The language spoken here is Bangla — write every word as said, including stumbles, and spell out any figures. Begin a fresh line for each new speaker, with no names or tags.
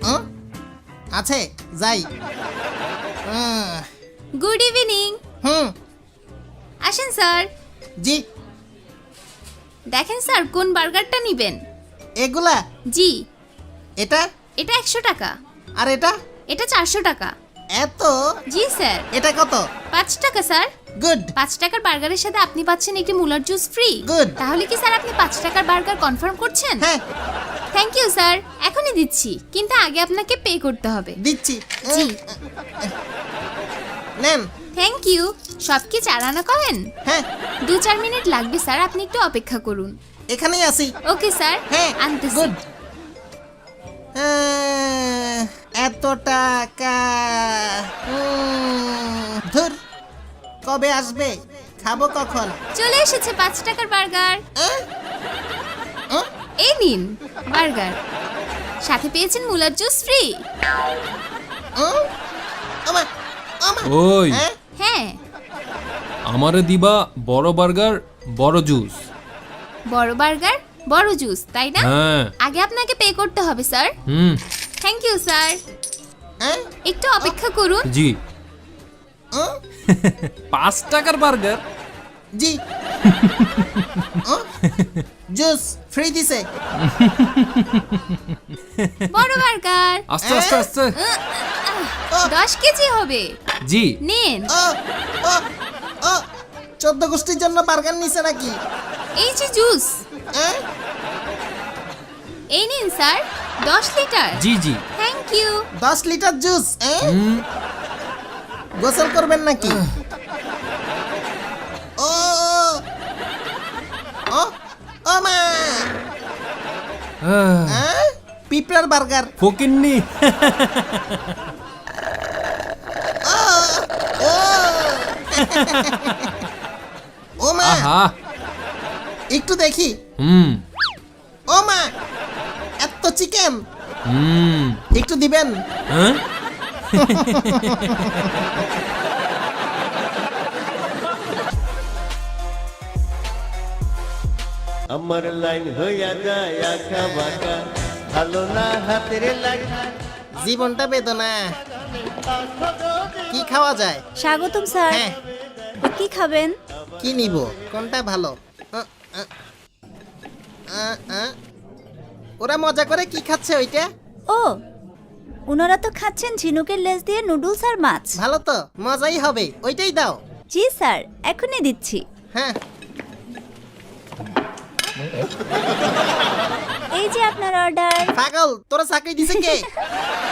আছে যাই।
Good evening.
হুম
আসেন স্যার।
জি।
দেখেন স্যার কোন বার্গারটা নেবেন।
এগুলা?
জি।
এটা?
এটা একশো টাকা।
আর এটা?
এটা চারশো টাকা।
এত?
জি স্যার।
এটা কত?
পাঁচ টাকা স্যার।
গুড।
পাঁচ টাকার বার্গারের সাথে আপনি পাচ্ছেন একটি মুলার জুস ফ্রি।
গুড।
তাহলে কি স্যার আপনি পাঁচ টাকার বার্গার কনফার্ম করছেন?
হ্যাঁ।
থ্যাংক ইউ স্যার, এখনই দিচ্ছি, কিন্তু আগে আপনাকে পে করতে হবে।
দিচ্ছি।
জি।
নেন।
Thank you. সব কি চার আনা করেন?
হ্যাঁ।
দু চার মিনিট লাগবে স্যার, আপনি একটু অপেক্ষা করুন।
এখানেই আছি।
Okay sir.
হ্যাঁ
আনতেছি।
গুড। এত টাকা ধুর, কবে আসবে, খাবো কখন?
চলে এসেছে পাঁচ টাকার বার্গার।
আহ? আহ?
এই নিন বার্গার, সাথে পেয়েছেন মুলার জুস ফ্রি।
আহ? আমা, আমা।
ওই
হ্যাঁ?
হ্যাঁ।
আমারে দিবা বড় বার্গার বড় জুস।
বড় বার্গার বড় জুস, তাই না?
হ্যাঁ।
আগে আপনাকে পে করতে হবে স্যার।
হুম।
Thank you sir.
হ্যাঁ?
একটু অপেক্ষা করুন।
জি।
আহ?
পাঁচ টাকার বার্গার?
জি। আহ? জুস ফ্রি দিছে।
বড় বার্গার
আস্তে আস্তে আস্তে।
দশ কেজি হবে।
জি।
নিন।
ও ও ও চোদ্দ গোষ্ঠীর জন্য বার্গার নিছে নাকি?
এই যে জুস,
হ্যাঁ?
এই নিন স্যার, দশ লিটার।
জি জি।
Thank you.
দশ লিটার জুস। হ্যাঁ?
হুম।
গোসল করবেন নাকি? ও ও ও মা।
আহ,
হ্যাঁ? পিঁপড়ার বার্গার।
ফকিন্নি।
ও ও ও মা,
আহা।
একটু দেখি।
হুম।
ও মা, এত চিকেন,
হুম।
একটু দিবেন?
হ্যাঁ?
আমার লাইন হইয়া যায় আঁকা বাঁকা, ভালো না হাতের লেখা।
জীবনটা বেদনা। কি খাওয়া যায়?
স্বাগতম স্যার।
হ্যাঁ,
কি খাবেন?
কি নিব, কোনটা ভালো? আ, আ, আ, আ। ওরা মজা করে কি খাচ্ছে ওইটা?
ও, ওনারা তো খাচ্ছেন ঝিনুকের লেজ দিয়ে নুডলস আর মাছ।
ভালো তো, মজাই হবে, ওইটাই দাও।
জি স্যার, এখনই দিচ্ছি।
হ্যাঁ।
এই যে আপনার অর্ডার।
পাগল, তোরা চাকরি দিছে কে?